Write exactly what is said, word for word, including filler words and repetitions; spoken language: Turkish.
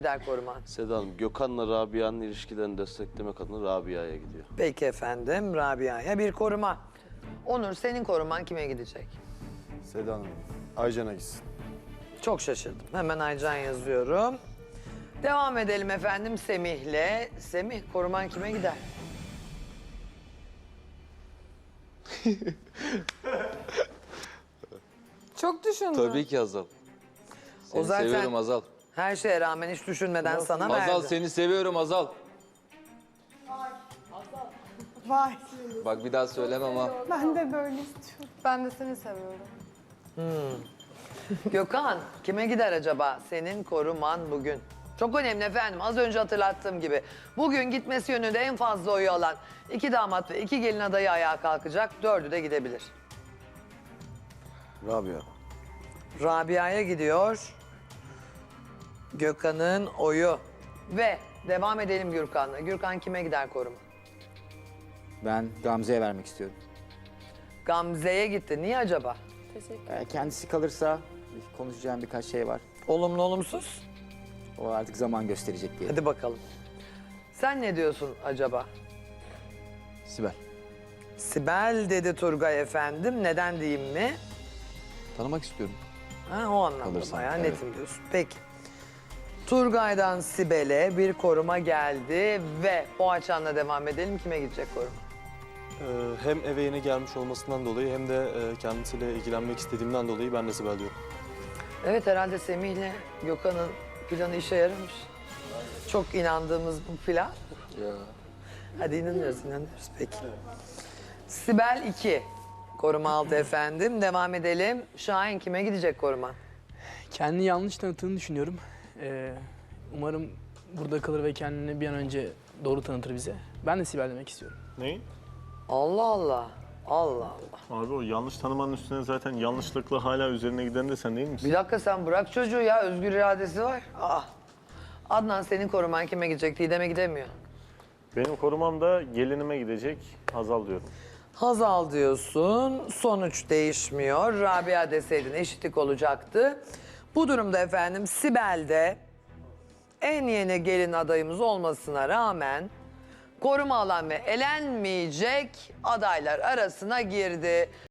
gider koruman? Seda Hanım, Gökhan'la Rabia'nın ilişkilerini desteklemek adına Rabia'ya gidiyor. Peki efendim, Rabia'ya bir koruma. Onur, senin koruman kime gidecek? Seda Hanım, Aycan'a gitsin. Çok şaşırdım. Hemen Aycan yazıyorum. Devam edelim efendim Semih'le. Semih, koruman kime gider? Çok düşündüm. Tabii ki Hazal. Seni O zaten- seviyorum Hazal. Her şeye rağmen hiç düşünmeden sana verdi. Hazal seni seviyorum Hazal. Vay. Bak bir daha söylemem ama. Ben de böyle istiyorum. Ben de seni seviyorum. Gökhan, kime gider acaba senin koruman bugün? Çok önemli efendim. Az önce hatırlattığım gibi. Bugün gitmesi yönünde en fazla oyu alan iki damat ve iki gelin adayı ayağa kalkacak. Dördü de gidebilir. Rabia. Rabia'ya gidiyor. Gökhan'ın oyu. Ve devam edelim Gürkan'la. Gürkan kime gider koruma? Ben Gamze'ye vermek istiyorum. Gamze'ye gitti. Niye acaba? Ee, Kendisi kalırsa konuşacağım birkaç şey var. Olumlu olumsuz. O artık zaman gösterecek diye. Hadi bakalım. Sen ne diyorsun acaba? Sibel. Sibel dedi Turgay efendim. Neden diyeyim mi? Tanımak istiyorum. Ha, o anlamda Kalırsan, bayağı evet. netim diyorsun. Peki. Turgay'dan Sibel'e bir koruma geldi ve Boğaçan'la devam edelim. Kime gidecek koruma? Ee, hem eve yeni gelmiş olmasından dolayı hem de e, kendisiyle ilgilenmek istediğimden dolayı ben de Sibel diyorum. Evet, herhalde Semih'le Gökhan'ın planı işe yaramış. Çok inandığımız bu plan. Ya. Hadi inanıyoruz, inanıyoruz. Peki. Sibel iki. Koruma aldı efendim. Devam edelim. Şahin kime gidecek koruma? Kendini yanlış tanıttığını düşünüyorum. Ee, umarım burada kalır ve kendini bir an önce doğru tanıtır bize. Ben de Sibel demek istiyorum. Neyi? Allah Allah. Allah Allah. Abi o yanlış tanımanın üstüne zaten yanlışlıkla hala üzerine giden de sen değil misin? Bir dakika, sen bırak çocuğu ya. Özgür iradesi var. Aa. Adnan, senin koruman kime gidecek? Didem'e gidemiyor. Benim korumam da gelinime gidecek, Hazal diyorum. Hazal diyorsun. Sonuç değişmiyor. Rabia deseydin eşitlik olacaktı. Bu durumda efendim Sibel'de en yeni gelin adayımız olmasına rağmen koruma alan ve elenmeyecek adaylar arasına girdi.